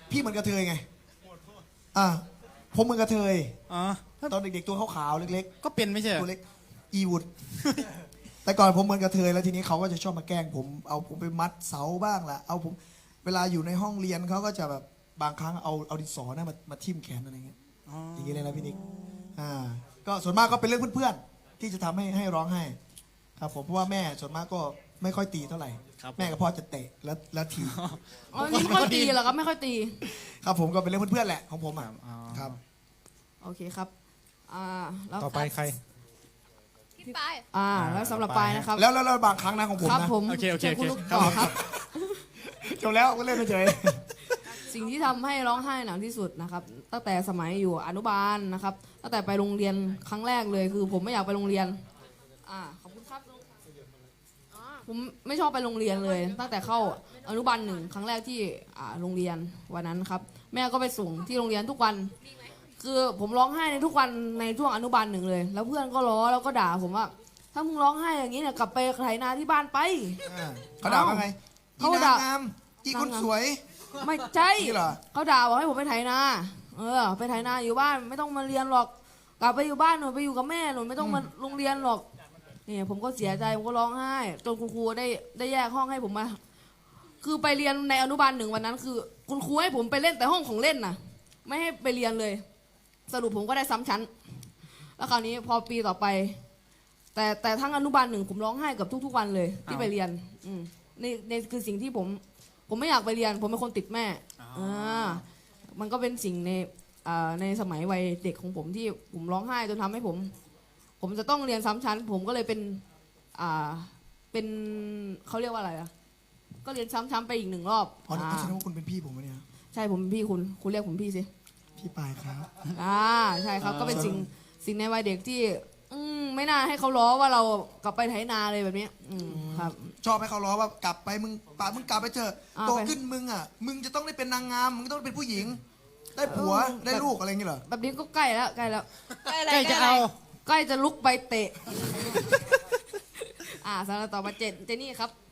พี่เหมือนกระเทยไงอ่าผมเหมือนกระเทยอ๋อตอนเด็กๆตัวขาวๆเล็กก็เป็นไม่ใช่เหรๆอตัวเล็กอีวุด แต่ก่อนผมเหมือนกระเทยแล้วทีนี้เขาก็จะชอบมาแกล้งผมเอาผมไปมัดเสาบ้างล่ะเอาผมเวลาอยู่ในห้องเรียนเขาก็จะแบบบางครั้งเอาดินสอนะมาทิ่มแขนอะไรเงี้ยอ๋ออย่างนี้เลยนะพี่นิกก็ส่วนมากก็เป็นเรื่องเพื่อนๆที่จะทำให้ร้องไห้ครับผมเพราะว่าแม่ส่วนมากก็ไม่ค่อยตีเท่าไหร่แม่กับพ่อจะเตะแล้วทีอ๋อนี่ไม่ค่อยตีเหรอครับไม่ค่อยตีครับผมก็เป็นเรื่องเพื่อนๆแหละของผมอ่ะครับโอเคครับแล้วต่อไปใครพี่ปายแล้วสำหรับปายนะครับแล้วบางครั้งนะของผมครับนะผมโอเคชิญคุณลูกครับต่อครับจบแล้วก็เล่นเฉยสิ่งที่ทำให้ร้องไห้หนักที่สุดนะครับตั้งแต่สมัยอยู่อนุบาลนะครับตั้งแต่ไปโรงเรียนครั้งแรกเลยคือผมไม่อยากไปโรงเรียนขอบคุณครับผมไม่ชอบไปโรงเรียนเลย ตั้งแต่เข้าอนุบาลหนึ่งครั้งแรกที่โรงเรียนวันนั้นครับแม่ก็ไปส่งที่โรงเรียนทุกวันคือผมร้องไห้ในทุกวันในช่วงอนุบาลหนึ่งเลย แล้วเพื่อนก็ล้อแล้วก็ด่าผมว่าถ้ามึงร้องไห้อย่างนี้เนี่ยกลับไปไถนาที่บ้านไปเขาด่าว่าไงอีเขานางด่างามอีคนสวยไม่ใช่นี่เหรอเขาด่าบอกให้ผมไปไถนาไปไถนาอยู่บ้านไม่ต้องมาเรียนหรอกกลับไปอยู่บ้านหนูไปอยู่กับแม่หนูไม่ต้องมาโรงเรียนหรอกนี่ผมก็เสียใจผมก็ร้องไห้จนคุณครูได้แยกห้องให้ผมมาคือไปเรียนในอนุบาลหนึ่งวันนั้นคือคุณครูให้ผมไปเล่นแต่ห้องของเล่นน่ะไม่ให้ไปเรียนเลย สรุปผมก็ได้ซ้ำชั้นแล้วคราวนี้พอปีต่อไปแต่ทั้งอนุบาลหนึ่งผมร้องไห้กับทุกๆวันเลยที่ไปเรียนในคือสิ่งที่ผมไม่อยากไปเรียนผมเป็นคนติดแม่มันก็เป็นสิ่งในสมัยวัยเด็กของผมที่ผมร้องไห้จนทำให้ผมจะต้องเรียนซ้ำชั้นผมก็เลยเป็นเขาเรียกว่าอะไรอะก็เรียนซ้ำๆไปอีกหนึ่งรอบอ๋อแสดงว่าคุณเป็นพี่ผมวะเนี่ยใช่ผมเป็นพี่คุณเรียกผมพี่สิพี่ปายครับใช่ครับก็เป็นสิ่งในวัยเด็กที่ไม่น่าให้เขาล้อว่าเรากลับไปไถนาเลยแบบนี้ครับชอบให้เขาล้อว่ากลับไปมึงกลับไปเถอะอ่าโตขึ้นมึงอ่ะมึงจะต้องได้เป็นนางงามมึงต้องเป็นผู้หญิง ได้ผัวได้ลูกอะไรอย่างเงี้ยเหรอแบบนี้ก็ใกล้แล้วใกล้แล้วอะไรใกล้จะเอาใกล้จะลุกไปเตะสำหรับต่อมาเจนนี่ครับ